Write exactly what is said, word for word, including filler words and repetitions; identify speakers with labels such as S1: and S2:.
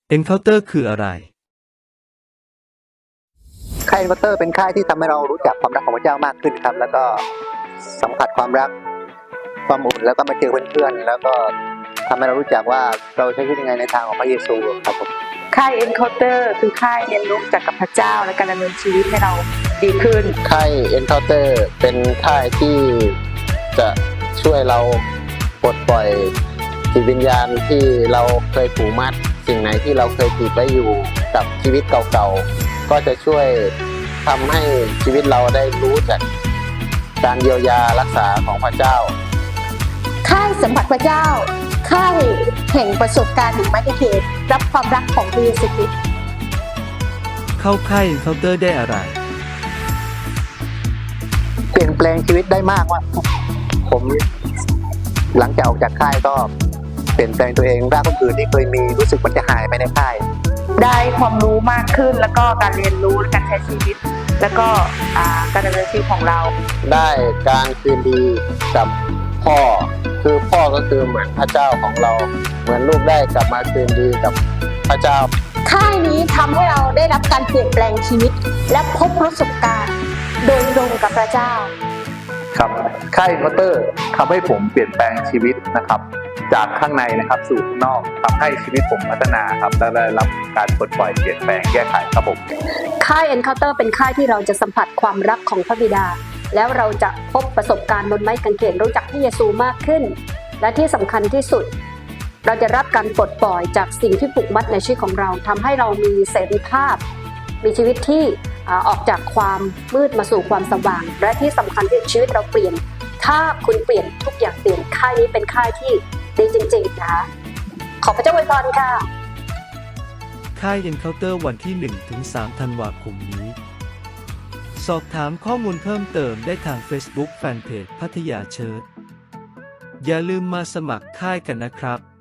S1: Encounter คืออะไร
S2: ค่าย Encounter เป็นค่ายที่ทำให้เรารู้จักความรักของพระเจ้ามากขึ้นครับแล้วก็สัมผัสความรักความอุ่นแล้วก็มาเจอเพื่อนๆแล้วก็ทำให้เรารู้จักว่าเราใช้ชีวิตยังไงในทางของพระเยซูครับผม
S3: ค่าย Encounter คือค่ายเรียนรู้จากกับพระเจ้าและการดำเนินชีวิตให้เราดีขึ้น
S2: ค่าย Encounter เป็นค่ายที่จะช่วยเราปลดปล่อยจิตวิญญาณที่เราเคยผูกมัดสิ่งไหนที่เราเคยติดไว้อยู่กับชีวิตเก่าๆก็จะช่วยทำให้ชีวิตเราได้รู้จากการเยียวยารักษาของพระเจ้า
S4: ค่ายสัมผัสพระเจ้าค่ายแห่งประสบการณ์แห่งไม้กางเขนรับความรักของพระเยซูคริสต์
S1: เข้าค่าย Encounter ได้อะไร
S2: เปลี่ยนแปลงชีวิตได้มากว่าผมหลังจากออกจากค่ายก็เปลี่ยนแปลงตัวเองร่างคนอื่นที่เคยมีรู้สึกมันจะหายไปในค่าย
S3: ได้ความรู้มากขึ้นแล้วก็การเรียนรู้และการใช้ชีวิตแล้วก็การดำเนินชีวิตของเรา
S2: ได้การคืนดีกับพ่อคือพ่อก็คือเหมือนพระเจ้าของเราเหมือนลูกได้กลับมาคืนดีกับพระเจ้า
S4: ค่ายนี้ทำให้เราได้รับการเปลี่ยนแปลงชีวิตและพบประสบการณ์โดยตรงกับพระเจ้า
S5: ครับค่าย Encounter ทำให้ผมเปลี่ยนแปลงชีวิตนะครับจากข้างในนะครับสู่ข้างนอกทำให้ชีวิตผมพัฒนาครับและได้รับการปลดปล่อยเปลี่ยนแปลงแก้ไขครับผม
S4: ค่าย Encounter เป็นค่ายที่เราจะสัมผัสความรักของพระบิดาแล้วเราจะพบประสบการณ์บนไม้กางเขนรู้จักพระเยซูมากขึ้นและที่สำคัญที่สุดเราจะรับการปลดปล่อยจากสิ่งที่ผูกมัดในชีวิตของเราทำให้เรามีเสรีภาพมีชีวิตที่ออกจากความมืดมาสู่ความสว่างและที่สำคัญที่ชีวิตเราเปลี่ยนถ้าคุณเปลี่ยนทุกอย่างเปลี่ยนค่ายนี้เป็นค่ายที่ดีจริงๆนะคะขอพระเจ้าอวยพรค่ะ
S1: ค่าย Encounter วันที่ หนึ่งถึงสาม ธันวาคมนี้สอบถามข้อมูลเพิ่มเติมได้ทาง Facebook Fanpage พัทยาเชิร์ชอย่าลืมมาสมัครค่ายกันนะครับ